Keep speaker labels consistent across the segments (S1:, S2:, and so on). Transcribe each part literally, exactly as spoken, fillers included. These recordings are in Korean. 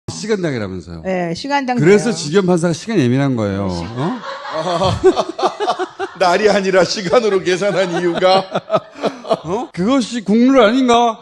S1: 시간당이라면서요.
S2: 네, 시간당.
S1: 그래서
S2: 돼요.
S1: 지겸 판사가 시간 예민한 거예요. 어?
S3: 날이 아니라 시간으로 계산한 이유가
S1: 어? 그것이 국룰 아닌가?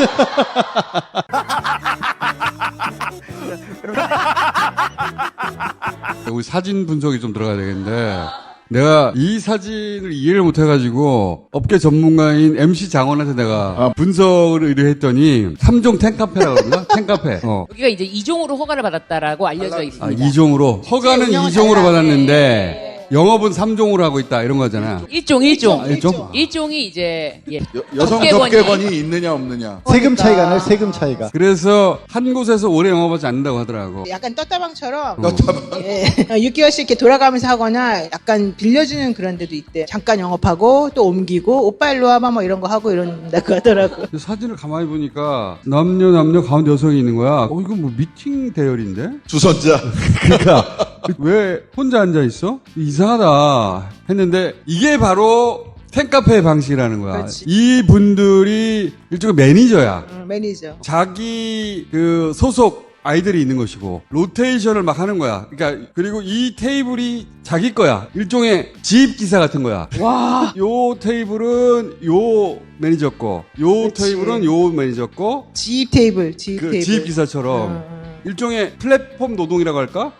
S1: 우리 사진 분석이 좀 들어가야 되겠는데 내가 이 사진을 이해를 못해가지고 업계 전문가인 엠씨 장원한테 내가
S3: 아.
S1: 분석을 의뢰했더니 삼 종 탱카페라고 그러나? 탱카페. 어.
S4: 여기가 이제 이 종으로 허가를 받았다라고 알려져
S1: 아,
S4: 있습니다.
S1: 이 종으로. 허가는
S2: 운영은
S1: 이 종으로
S2: 달라.
S1: 받았는데 영업은 삼 종으로 하고 있다 이런 거잖아.
S4: 일 종, 일 종.
S1: 아, 일 종?
S4: 일 종이 이제 예.
S3: 여, 여성
S4: 접객원이-
S3: 접객원이 있느냐 없느냐.
S5: 세금 차이가 나요, 세금 차이가.
S1: 그래서 한 곳에서 오래 영업하지 않는다고 하더라고.
S2: 약간 떴다방처럼
S1: 어.
S2: 예, 육 개월씩 이렇게 돌아가면서 하거나 약간 빌려주는 그런 데도 있대. 잠깐 영업하고 또 옮기고 오빠 일로 와봐 뭐 이런 거 하고 이런다고 하더라고.
S1: 근데 사진을 가만히 보니까 남녀 남녀 가운데 여성이 있는 거야. 어 이거 뭐 미팅 대열인데?
S3: 주선자.
S1: 그러니까 왜 혼자 앉아 있어? 이상하다 했는데 이게 바로 팬카페의 방식이라는 거야.
S2: 그렇지.
S1: 이 분들이 일종의 매니저야.
S2: 응, 매니저.
S1: 자기 그 소속 아이들이 있는 것이고 로테이션을 막 하는 거야. 그러니까 그리고 이 테이블이 자기 거야. 일종의 지입 기사 같은 거야.
S2: 와.
S1: 요 테이블은 요 매니저 거, 요
S2: 그치.
S1: 테이블은 요 매니저 거.
S2: 지입 테이블, 지입
S1: 그
S2: 테이블.
S1: 지입 기사처럼
S2: 응, 응.
S1: 일종의 플랫폼 노동이라고 할까?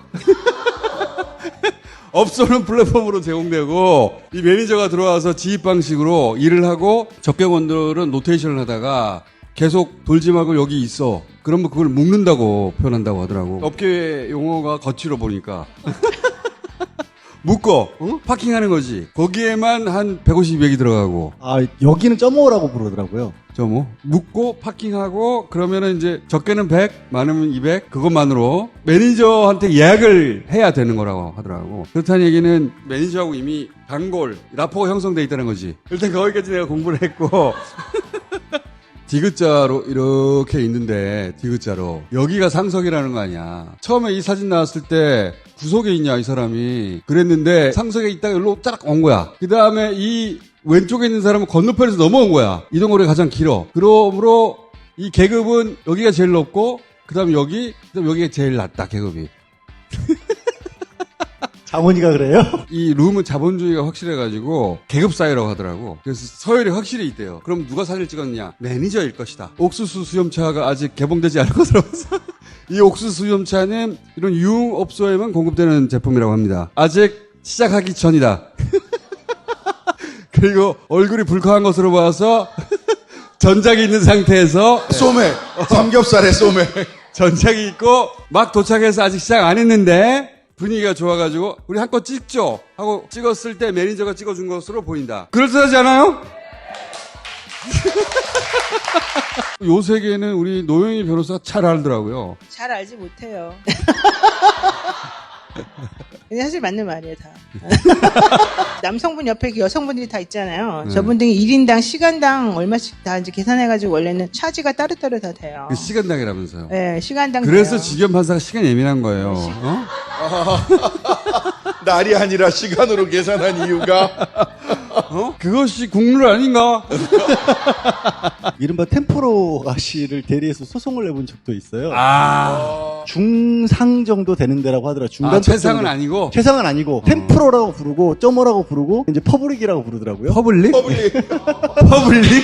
S1: 업소는 플랫폼으로 제공되고 이 매니저가 들어와서 지입 방식으로 일을 하고 적객원들은 노테이션을 하다가 계속 돌지 말고 여기 있어. 그러면 그걸 묶는다고 표현한다고 하더라고. 업계 용어가 거치로 보니까. 묶어. 어? 파킹하는 거지. 거기에만 한 백오십 액이 들어가고.
S5: 아, 여기는 점오라고 부르더라고요.
S1: 저 뭐 묶고 파킹하고 그러면은 이제 적게는 백, 많으면 이백 그것만으로 매니저한테 예약을 해야 되는 거라고 하더라고. 그렇다는 얘기는 매니저하고 이미 단골 라포가 형성돼 있다는 거지. 일단 거기까지 내가 공부를 했고 디귿자로 이렇게 있는데 디귿자로 여기가 상석이라는 거 아니야. 처음에 이 사진 나왔을 때 구석에 있냐 이 사람이 그랬는데 상석에 있다가 여기로 짜락 온 거야. 그 다음에 이 왼쪽에 있는 사람은 건너편에서 넘어온 거야. 이동거리가 가장 길어. 그러므로 이 계급은 여기가 제일 높고 그 다음에 여기 그 다음에 여기가 제일 낮다 계급이.
S5: 장원이가 그래요?
S1: 이 룸은 자본주의가 확실해가지고 계급 사회라고 하더라고. 그래서 서열이 확실히 있대요. 그럼 누가 사진을 찍었냐? 매니저일 것이다. 옥수수 수염차가 아직 개봉되지 않은 것으로 봐서 이 옥수수 수염차는 이런 유흥업소에만 공급되는 제품이라고 합니다. 아직 시작하기 전이다. 그리고 얼굴이 불쾌한 것으로 봐서 전작이 있는 상태에서
S3: 소매. 삼겹살에 소매.
S1: 전작이 있고 막 도착해서 아직 시작 안 했는데 분위기가 좋아가지고 우리 한껏 찍죠 하고 찍었을 때 매니저가 찍어준 것으로 보인다. 그럴듯하지 않아요? 요 세계는 우리 노영희 변호사가 잘 알더라고요.
S2: 잘 알지 못해요. 근데 사실 맞는 말이에요, 다. 남성분 옆에 여성분들이 다 있잖아요.
S1: 네.
S2: 저분들이 일 인당 시간당 얼마씩 다 이제 계산해가지고 원래는 차지가 따로따로 다 돼요.
S1: 그 시간당이라면서요.
S2: 네, 시간당.
S1: 그래서
S2: 돼요.
S1: 지겸 판사가 시간 예민한 거예요. 어?
S3: 날이 아니라 시간으로 계산한 이유가
S1: 어? 그것이 국룰 아닌가?
S5: 이른바 템포로 아씨를 대리해서 소송을 내본 적도 있어요.
S1: 아,
S5: 중상 정도 되는 데라고 하더라고요. 중간
S1: 아 최상은
S5: 정도.
S1: 아니고
S5: 최상은 아니고 템프로라고 부르고 점오라고 부르고 이제 퍼블릭이라고 부르더라고요.
S1: 퍼블릭?
S3: 퍼블릭.
S1: 퍼블릭?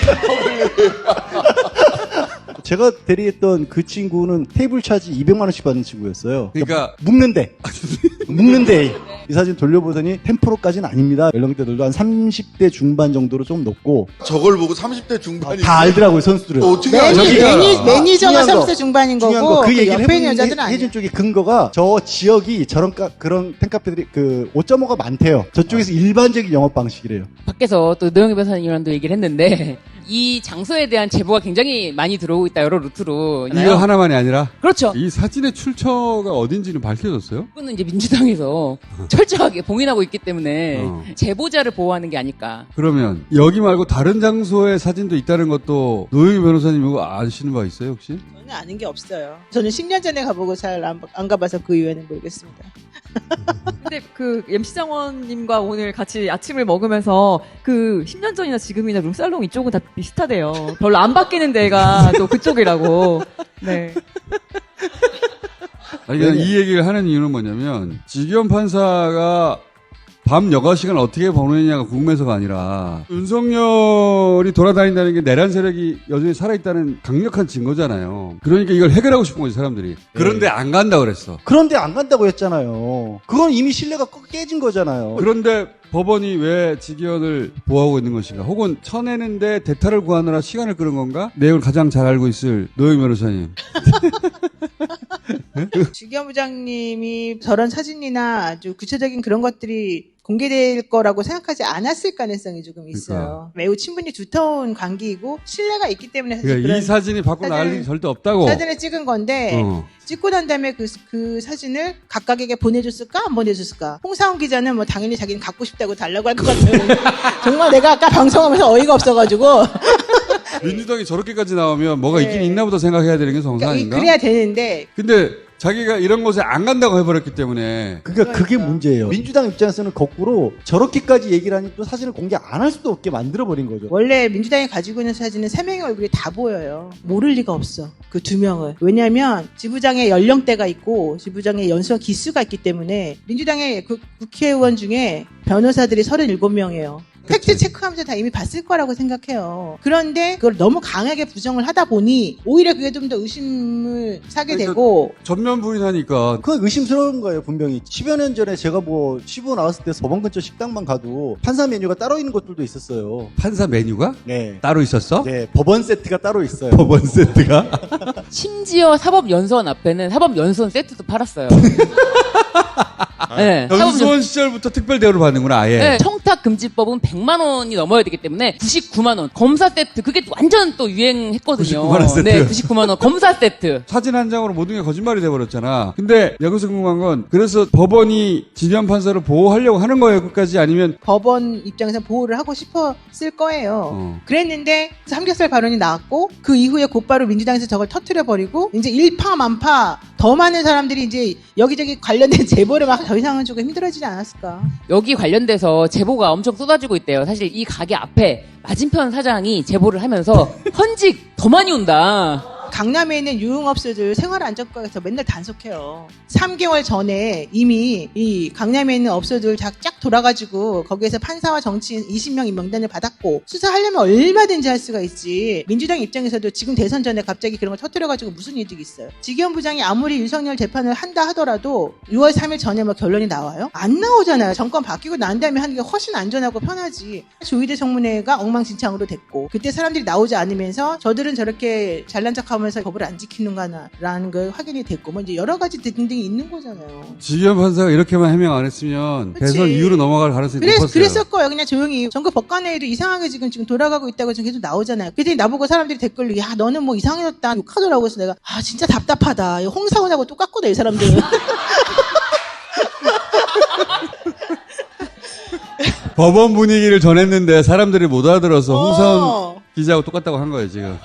S5: 제가 대리했던 그 친구는 테이블 차지 이백만 원씩 받는 친구였어요.
S1: 그러니까
S5: 묶는데 묶는데 이 사진 돌려보더니 템프로까지는 아닙니다. 연령대들도 한 삼십 대 중반 정도로 좀 높고
S3: 저걸 보고 삼십 대 중반이
S5: 다 알더라고요, 선수들은.
S3: 또 어떻게
S2: 매니,
S3: 알지?
S1: 저기가-
S2: 매니,
S5: 아,
S2: 매니저가
S5: 중요한 거,
S2: 삼십 대 중반인
S5: 중요한
S2: 거고,
S5: 거, 그
S2: 그
S5: 얘기를
S2: 옆에
S5: 해본
S2: 있는 여자들은
S5: 해-
S2: 아니에요.
S5: 해준 쪽의 근거가 저 지역이 저런 카, 그런 팬카페들이 그 오 점 오가 많대요. 저쪽에서 일반적인 영업 방식이래요.
S4: 밖에서 또 노영희 변호사님이랑도 얘기를 했는데 이 장소에 대한 제보가 굉장히 많이 들어오고 있다 여러 루트로.
S1: 이거 하나만이 아니라
S4: 그렇죠.
S1: 이 사진의 출처가 어딘지는 밝혀졌어요?
S4: 이분은 이제 민주당에서 철저하게 봉인하고 있기 때문에
S1: 어.
S4: 제보자를 보호하는 게 아닐까.
S1: 그러면 여기 말고 다른 장소에 사진도 있다는 것도 노영희 변호사님 이거 아시는 바 있어요 혹시?
S2: 저는 아는 게 없어요. 저는 십 년 전에 가보고 잘 안 안 가봐서 그 이유는 모르겠습니다.
S6: 근데 그 엠씨 장원님과 오늘 같이 아침을 먹으면서 그 십 년 전이나 지금이나 룸살롱 이쪽은 다 비슷하대요. 별로 안 바뀌는 데가 또 그쪽이라고. 네.
S1: 아니, 그러니까 이 얘기를 하는 이유는 뭐냐면, 지기현 판사가 밤 여가 시간 어떻게 보내냐가 궁금해서가 아니라, 윤석열이 돌아다닌다는 게 내란 세력이 여전히 살아있다는 강력한 증거잖아요. 그러니까 이걸 해결하고 싶은 거지, 사람들이. 그런데 안 간다 그랬어.
S5: 그런데 안 간다고 했잖아요. 그건 이미 신뢰가 꺼- 깨진 거잖아요.
S1: 그런데 법원이 왜 지기현을 보호하고 있는 것인가? 혹은 쳐내는데 대타를 구하느라 시간을 끄는 건가? 내용을 가장 잘 알고 있을 노영 변호사님.
S2: 지기현 부장님이 저런 사진이나 아주 구체적인 그런 것들이 공개될 거라고 생각하지 않았을 가능성이 조금 있어요.
S1: 그러니까.
S2: 매우 친분이 두터운 관계이고 신뢰가 있기 때문에 사실
S1: 그러니까
S2: 그런
S1: 이 사진이 밖으로 나갈
S2: 사진을-
S1: 일이 절대 없다고.
S2: 사진을 찍은 건데
S1: 어.
S2: 찍고 난 다음에 그, 그 사진을 각각에게 보내줬을까 안 보내줬을까. 홍사훈 기자는 뭐 당연히 자기는 갖고 싶다고 달라고 할 것 같아요. 정말 내가 아까 방송하면서 어이가 없어가지고
S1: 민주당이 저렇게까지 나오면 뭐가
S2: 네.
S1: 있긴 있나보다 생각해야 되는 게 정상
S2: 그러니까 이-
S1: 아닌가?
S2: 그래야 되는데
S1: 근데 자기가 이런 곳에 안 간다고 해버렸기 때문에
S5: 그러니까 그게
S2: 그러니까.
S5: 문제예요. 민주당 입장에서는 거꾸로 저렇게까지 얘기를 하니 또 사진을 공개 안 할 수도 없게 만들어버린 거죠.
S2: 원래 민주당이 가지고 있는 사진은 세 명의 얼굴이 다 보여요. 모를 리가 없어. 그 두 명을. 왜냐하면 지부장의 연령대가 있고 지부장의 연수와 기수가 있기 때문에 민주당의 그 국회의원 중에 변호사들이 서른일곱 명이에요. 팩트 체크하면서 다 이미 봤을 거라고 생각해요. 그런데 그걸 너무 강하게 부정을 하다 보니 오히려 그게 좀 더 의심을 사게
S1: 그러니까
S2: 되고
S1: 전면 부인하니까
S5: 그건 의심스러운 거예요, 분명히. 십여 년 전에 제가 뭐 시부 나왔을 때 법원 근처 식당만 가도 판사 메뉴가 따로 있는 것들도 있었어요.
S1: 판사 메뉴가
S5: 네.
S1: 따로 있었어?
S5: 네, 법원 세트가 따로 있어요.
S1: 법원 세트가?
S4: 심지어 사법연수원 앞에는 사법연수원 세트도 팔았어요. 네,
S1: 연수원 시절부터 특별 대우를 받는구나 아예.
S4: 네, 청탁금지법은 백만 원이 넘어야 되기 때문에 구십구만 원. 검사 세트, 그게 완전 또 유행했거든요.
S1: 구십구만 원 세트.
S4: 네, 구십구만 원. 검사 세트.
S1: 사진 한 장으로 모든 게 거짓말이 돼버렸잖아. 근데 여기서 궁금한 건 그래서 법원이 지기현 판사를 보호하려고 하는 거예요 끝까지 아니면
S2: 법원 입장에서 보호를 하고 싶었을 거예요.
S1: 어.
S2: 그랬는데 삼겹살 발언이 나왔고 그 이후에 곧바로 민주당에서 저걸 터트려버리고 이제 일파만파 더 많은 사람들이 이제 여기저기 관련된 제보를 막 더 이상은 조금 힘들어지지 않았을까.
S4: 여기 관련돼서 제보가 엄청 쏟아지고 있대요. 사실 이 가게 앞에 맞은편 사장이 제보를 하면서 헌직 더 많이 온다.
S2: 강남에 있는 유흥업소들 생활안전과에서 맨날 단속해요. 삼 개월 전에 이미 이 강남에 있는 업소들 쫙, 쫙 돌아가지고 거기에서 판사와 정치인 이십 명 임명단을 받았고 수사하려면 얼마든지 할 수가 있지. 민주당 입장에서도 지금 대선 전에 갑자기 그런 걸 터뜨려가지고 무슨 이득이 있어요. 지기현 부장이 아무리 윤석열 재판을 한다 하더라도 유월 삼일 전에 뭐 결론이 나와요? 안 나오잖아요. 정권 바뀌고 난 다음에 하는 게 훨씬 안전하고 편하지. 조희대 청문회가 엉망진창으로 됐고 그때 사람들이 나오지 않으면서 저들은 저렇게 잘난 척하면서 법을 안 지키는가라는 걸 확인이 됐고 뭐 이제 여러 가지 등등이 있는 거잖아요.
S1: 지기현 판사가 이렇게만 해명 안 했으면
S2: 그치.
S1: 대선 이후로 넘어갈 가능성이
S2: 그래,
S1: 높았어요.
S2: 그랬을 거예요. 그냥 조용히. 전국 법관회의도 이상하게 지금 지금 돌아가고 있다고 지금 계속 나오잖아요. 그랬더니 나보고 사람들이 댓글로 야 너는 뭐 이상해졌다 욕하더라고. 그래서 내가 아 진짜 답답하다. 이거 홍사원하고 똑같거든 이 사람들은.
S1: 법원 분위기를 전했는데 사람들이 못 알아들어서 홍사원
S2: 어.
S1: 기자하고 똑같다고 한 거예요 지금.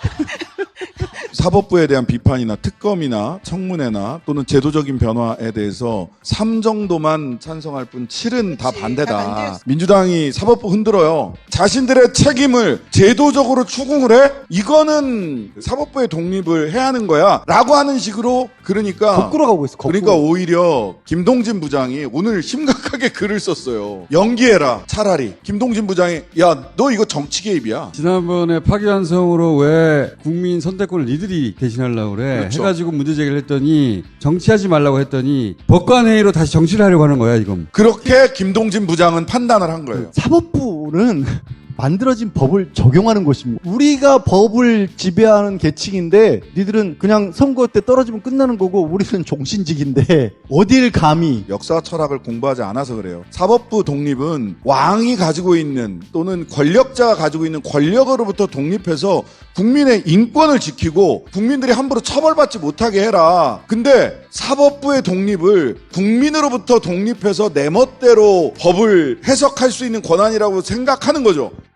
S3: 사법부에 대한 비판이나 특검이나 청문회나 또는 제도적인 변화에 대해서 삼 정도만 찬성할 뿐 칠은 다
S2: 그치,
S3: 반대다.
S2: 다 반대였어.
S3: 민주당이 사법부 흔들어요. 자신들의 책임을 제도적으로 추궁을 해? 이거는 사법부의 독립을 해야 하는 거야. 라고 하는 식으로 그러니까
S5: 거꾸로 가고 있어, 거꾸로.
S3: 그러니까 오히려 김동진 부장이 오늘 심각하게 글을 썼어요. 연기해라. 차라리. 김동진 부장이 야 너 이거 정치 개입이야.
S1: 지난번에 파기환송으로 왜 국민 선택권을 니들이 대신하려고 그래
S3: 그렇죠.
S1: 해가지고 문제 제기를 했더니 정치하지 말라고 했더니 법관회의로 다시 정치를 하려고 하는 거야 지금.
S3: 그렇게 김동진 부장은 판단을 한 거예요.
S5: 사법부는 만들어진 법을 적용하는 것입니다. 우리가 법을 지배하는 계층인데 니들은 그냥 선거 때 떨어지면 끝나는 거고 우리는 종신직인데 어딜 감히.
S3: 역사 철학을 공부하지 않아서 그래요. 사법부 독립은 왕이 가지고 있는 또는 권력자가 가지고 있는 권력으로부터 독립해서 국민의 인권을 지키고 국민들이 함부로 처벌받지 못하게 해라. 근데 사법부의 독립을 국민으로부터 독립해서 내 멋대로 법을 해석할 수 있는 권한이라고 생각하는 거죠.